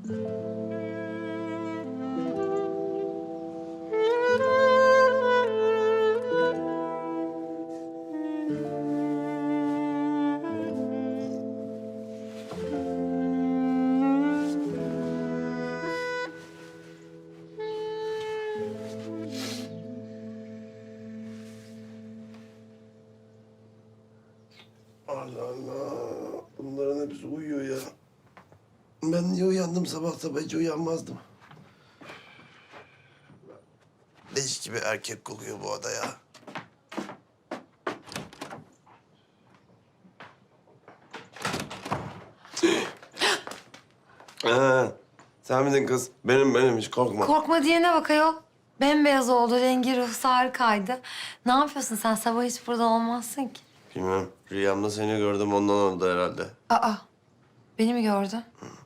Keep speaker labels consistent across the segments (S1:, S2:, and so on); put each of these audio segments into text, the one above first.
S1: Allah Allah. Bunların hepsi uyuyor ya. Ben niye uyandım sabah sabah hiç uyanmazdım. Leş gibi erkek kokuyor bu oda ya. Sen miydin kız? Benim hiç korkma.
S2: Korkma diyene bak ayol. Bembeyaz oldu, rengi ruhsu harikaydı. Ne yapıyorsun sen? Sabah hiç burada olmazsın ki.
S1: Bilmem. Rüyamda seni gördüm ondan oldu herhalde.
S2: Aa, beni mi gördün?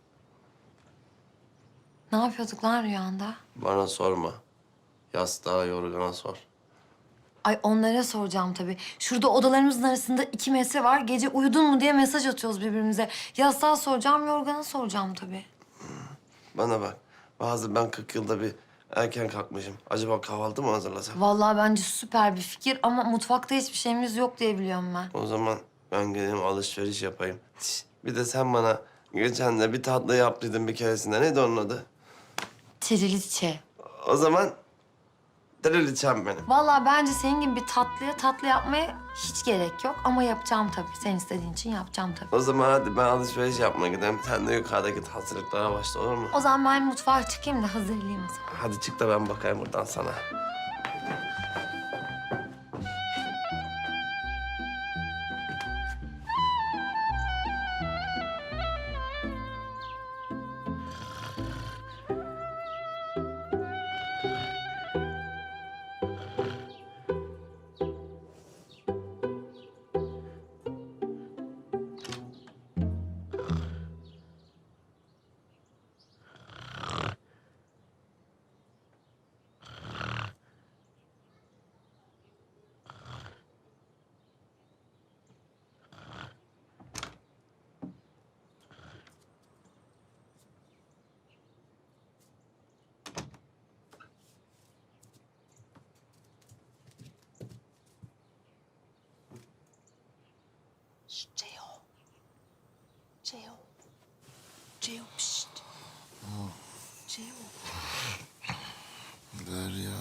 S2: Ne yapıyorduk lan rüyanda?
S1: Bana sorma. Yastığa yorgana sor.
S2: Ay onlara soracağım tabii. Şurada odalarımızın arasında 2 metre var. Gece uyudun mu diye mesaj atıyoruz birbirimize. Yastığa soracağım, yorgana soracağım tabii.
S1: Bana bak. Ben 40 yılda bir erken kalkmışım. Acaba kahvaltı mı hazırlasam?
S2: Vallahi bence süper bir fikir ama mutfakta hiçbir şeyimiz yok diye biliyorum ben.
S1: O zaman ben gideyim alışveriş yapayım. Bir de sen bana geçen de bir tatlı yaptıydın bir keresinde. Neydi onun adı?
S2: Triliçe.
S1: O zaman deliliçem benim.
S2: Vallahi bence senin gibi bir tatlı yapmaya hiç gerek yok. Ama yapacağım tabii. Sen istediğin için yapacağım tabii.
S1: O zaman hadi ben alışveriş yapmaya gideyim. Sen de yukarıdaki hazırlıklara başla olur mu?
S2: O zaman ben mutfağa çıkayım da hazırlayayım o zaman.
S1: Hadi çık da ben bakayım buradan sana.
S3: Ceo. Ceo, pişt. Ceo.
S1: Derya.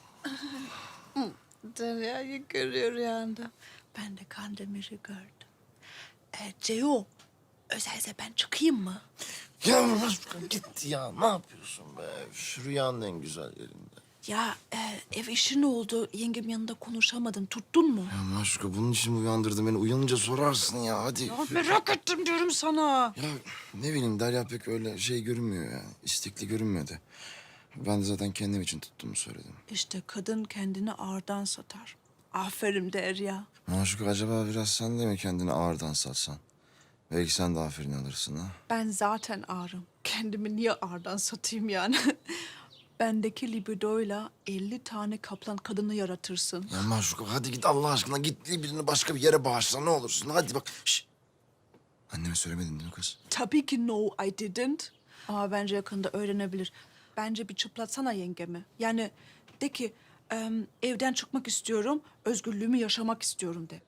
S3: Derya'yı görüyor rüyanda. Ben de Kandemir'i gördüm. Ceo, özelse ben çıkayım mı?
S4: Ya Maşuka git ya. Ne yapıyorsun be? Şu rüyanın en güzel yerinde.
S3: Ya ev işi ne oldu? Yengem yanında konuşamadın. Tuttun mu?
S4: Ya Maşuka bunun için mi uyandırdın beni? Uyanınca sorarsın ya hadi.
S3: Ya merak ettim diyorum sana.
S4: Ya ne bileyim Derya pek öyle şey görünmüyor ya. İstekli görünmedi. Ben de zaten kendim için tuttuğumu söyledim.
S3: İşte kadın kendini ağırdan satar. Aferin Derya.
S4: Maşuka acaba biraz sen de mi kendini ağırdan satsan? Belki sen de aferin alırsın ha.
S3: Ben zaten ağrım. Kendimi niye ağırdan satayım yani? Bendeki libidoyla 50 tane kaplan kadını yaratırsın.
S4: Ya Maşuka hadi git Allah aşkına git birini başka bir yere bağışla ne olursun. Hadi bak. Şişt. Anneme söylemedin değil mi kız?
S3: Tabii ki no, I didn't. Ama bence yakında öğrenebilir. Bence bir çıplatsana yengemi. Yani de ki evden çıkmak istiyorum, özgürlüğümü yaşamak istiyorum de.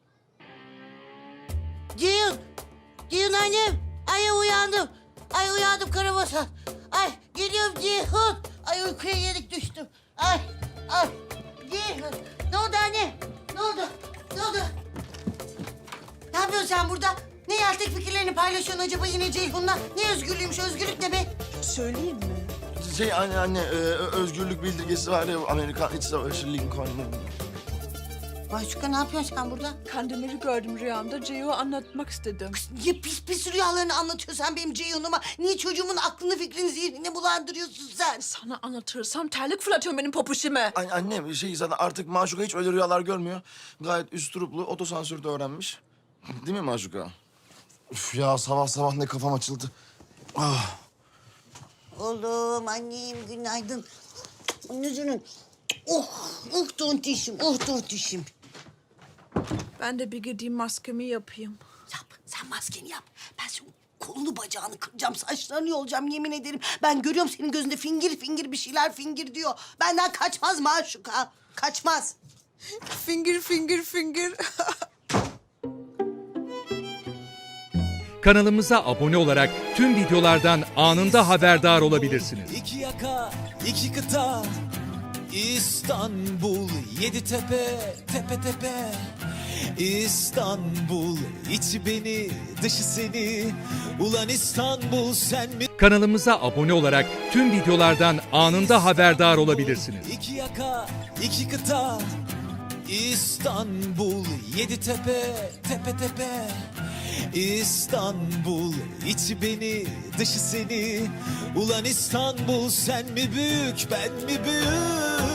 S5: Ceyhun! Ceyhun annem! Ay uyandım. Ay uyandım karabasan. Ay geliyorum Ceyhun. Ay uykuya yenik düştüm. Ay Ceyhun. Ne oldu anne? Ne oldu? Ne oldu? Ne yapıyorsun sen burada? Ne yeltek fikirlerini paylaşıyorsun acaba yine Ceyhun'la? Ne özgürlüğümüş, özgürlük ne be?
S3: Söyleyeyim mi?
S4: Anne özgürlük bildirgesi var ya Amerikan İç Savaşı Lincoln'un.
S5: Maşuka ne yapıyorsun sen burada?
S3: Kandemir'i gördüm rüyamda. Ceyo'ya anlatmak istedim.
S5: Niye pis rüyalarını anlatıyorsun sen benim Ceyhun'uma? Niye çocuğumun aklını fikrini zihnini bulandırıyorsun sen?
S3: Sana anlatırsam terlik fırlatıyorum benim popuşime.
S4: Annem zaten artık Maşuka hiç öyle rüyalar görmüyor. Gayet üsturuplu otosansürde öğrenmiş. Değil mi Maşuka? Üf ya sabah sabah ne kafam açıldı. Ah.
S5: Oğlum, annem günaydın. Yüzünün. Tontişim, tontişim.
S3: Ben de bir gideyim maskemi yapayım.
S5: Yap, sen maskeni yap. Ben şu kolunu bacağını kıracağım, saçlarını yolacağım yemin ederim. Ben görüyorum senin gözünde fingir fingir bir şeyler fingir diyor. Benden kaçmaz Maşuka, kaçmaz.
S3: Finger, finger, finger.
S6: Kanalımıza abone olarak tüm videolardan anında haberdar olabilirsiniz.
S7: İki yaka, iki kıta, İstanbul, yedi tepe, tepe tepe. İstanbul, içi beni, dışı seni. Ulan İstanbul, sen mi?
S6: Kanalımıza abone olarak tüm videolardan anında haberdar olabilirsiniz.
S7: İki yaka, iki kıta, İstanbul, yedi tepe, tepe tepe. İstanbul, içi beni, dışı seni. Ulan İstanbul, sen mi büyük, ben mi büyük?